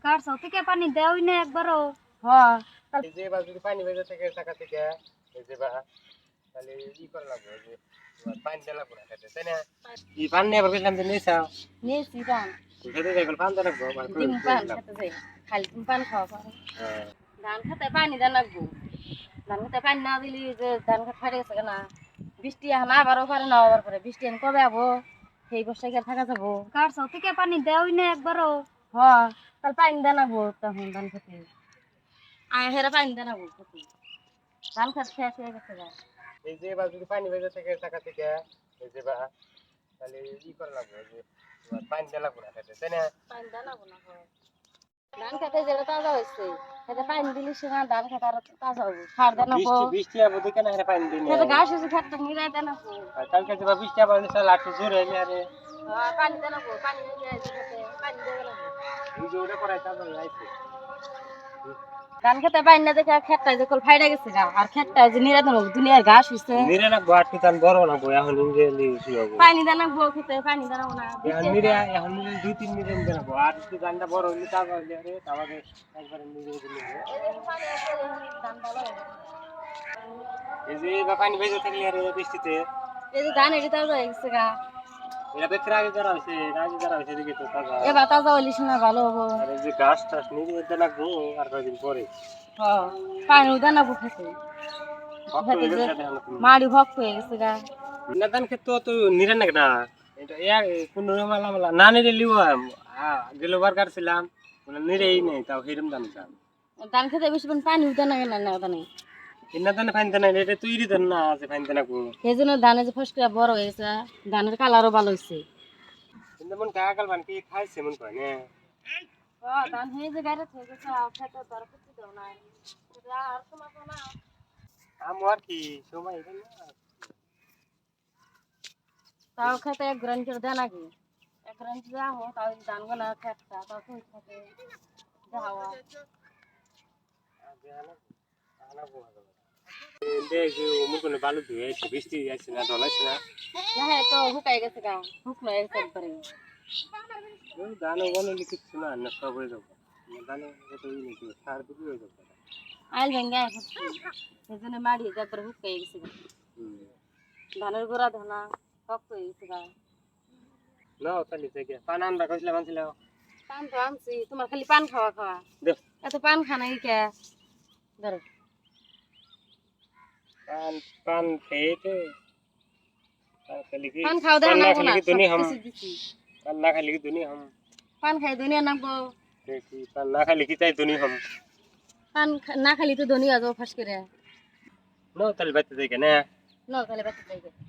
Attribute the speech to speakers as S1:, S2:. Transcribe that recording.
S1: কার থেকে পানি দেওই না একবারও।
S2: হ্যাঁ
S3: এই যে এবার যদি পানি বেজে থেকে টাকা থেকে এই যে বা তাহলে ই করা লাগবে যে তোমার পানি দেওয়া লাগবে না খেতে, তাই না? ই পানি এবার বেশলাম যে নিয়েছাও
S2: নিয়েছি পান
S3: খেতে যাই পানি দেওয়া লাগবে মানে
S2: ডিম পান খেতে যাই খালি তুমি পান খাওয়া পারো ধান খেতে পানি দেন লাগবো ধান খেতে পানি না দিলি যে ধান খেতে ফাটে গেছে না বৃষ্টি এখন আবারও পারে না আবার পরে বৃষ্টি এখন কবে আবো সেই বর্ষায় গিয়ে থাকা যাবো
S1: কার থেকে পানি দেওই না একবারও।
S2: হ্যাঁ তাহলে পানি দেন লাগবো তখন ধান খেতে আয় হেরা পানি দেন লাগবো খেতে ধান খেতে শেষ হয়ে গেছে গা
S3: এই যে এবার যদি পানি বেজে থেকে টাকা থেকে এই যে বা তাহলে ই করা লাগবে যে তোমার পানি দেওয়া লাগবে না খেতে, তাই না?
S2: পানি দেন লাগবো না ধান খেতে যেটা তাজা হয়েছে খেতে পানি দিলি সেখানে ধান খেতে আরো তাজা হবো সার দেন লাগবো
S3: বৃষ্টি বৃষ্টি আবার দেখে না পানি দিই না
S2: খেতে ঘাস হয়েছে খেতে নিরাই দেন লাগবো
S3: কালকে যে বৃষ্টি আবার নিচে লাঠি জোরে এলে আরে
S2: হ্যাঁ পানি দেন লাগবো পানি নিয়ে খেতে পানি দেবে লাগবো
S3: এই যে ওটা করাই তারপর আইছে
S2: ধান খেতে পানি না দেখে খেতটা যে কল ফাইডা গেছে গা আর খেতটা যে নিরাই দেন লাগবো দুনিয়ার ঘাস হয়েছে
S3: নিরে না ঘাট কি তান বড় না বই এখন ইংরেজি কি হবে
S2: পানি দেন লাগবো খেতে পানি দেন লাগবো না
S3: এখন নিরে দুই তিন মিনিট দেন আর একটু গানটা বড় হইলে তারপর আরে আমাকে একবার নিরে দিলে
S2: ধান ভালো হবে।
S3: এই যে বা পানি ভেজে থাকলে আর বৃষ্টিতে
S2: এই যে ধান এটি তাজা হয়ে গেছে গা
S3: এটা বেকরা আগে করা হয়েছে আগে করা হয়েছে দেখি তো তাজা
S2: এবার তাজা হইলে শোনা ভালো হবো
S3: আর এই যে গাছ টাছ নিরে দেন না গো আর কয়েকদিন পরে
S2: হ্যাঁ পানি দেন লাগবো খেতে
S3: ভক্ত হয়ে গেছে দেখো তুমি
S2: মাড়ি ভক্ত হয়ে গেছে গা
S3: নাদান ক্ষেত্র তো নিরে না না এটা এক কোন মালা মালা না নিরে লিও গেলোবার কাটছিলাম নিরেই নেই তাও হিরম দান দাম
S2: ধান খেতে বেশি পানি দেন না কেন না ওখানে
S3: ইন্না দানে ফাইন না এটা তৈরি দেন না আছে ফাইন না গো
S2: সেই জন্য ধানে যে ফসকা বড় হয়ে গেছে ধানের কালারও ভালো হয়েছে
S3: কিন্তু মন কাকাল বান কি খাইছে মন কয় না
S2: ধান হয়ে যে গাড়ি হয়ে গেছে খেতে দর করতে দাও না আর তোমার না
S3: আমার কি সময় এটা না
S2: তাও খেতে এক গ্রান করে দেন আগে এক গ্রান দেওয়া হোক তাও ধান গোনা খেতটা তাও তুই থাকে যাওয়া
S3: দেখ মুখ না বালু দিয়ে বৃষ্টি আছে না ঢলাইছে না
S2: হ্যাঁ তো হুকাই গেছে গা শুকনো হয়ে গেছে একবারে
S3: দানো বনে কিছু না না সব হয়ে যাবে দানো কত ই নাকি সার দিবি হয়ে যাবে
S2: আইল ভেঙ্গে সেই জন্য মাড়ি একবার হুকাই গেছে গা ধানের গোড়া ধনা শক্ত হয়ে গেছে গা
S3: না তাহলে থেকে পান আনবা কইছিলাম আনছিলাম
S2: পান তো আনছি তোমার খালি পান খাওয়া খাওয়া
S3: দেখ
S2: এত পান খানা কে ধরো
S3: পান পান খেয়ে তো পান খালি কি
S2: পান খাওয়া দেওয়া
S3: পান না
S2: নাগবো
S3: খালি
S2: না
S3: কি দুনি हम
S2: দিছি
S3: पान ना खाली की दुनिया हम
S2: পান খাই দুনিয়া নাগবো
S3: देखी पान ना खाली की चाहे दुनिया हम
S2: পান না খালি তো ধনী হয়ে যাবো ফাঁস করে
S3: नो तल बात देखे ना
S2: ন খালি বাচ্চা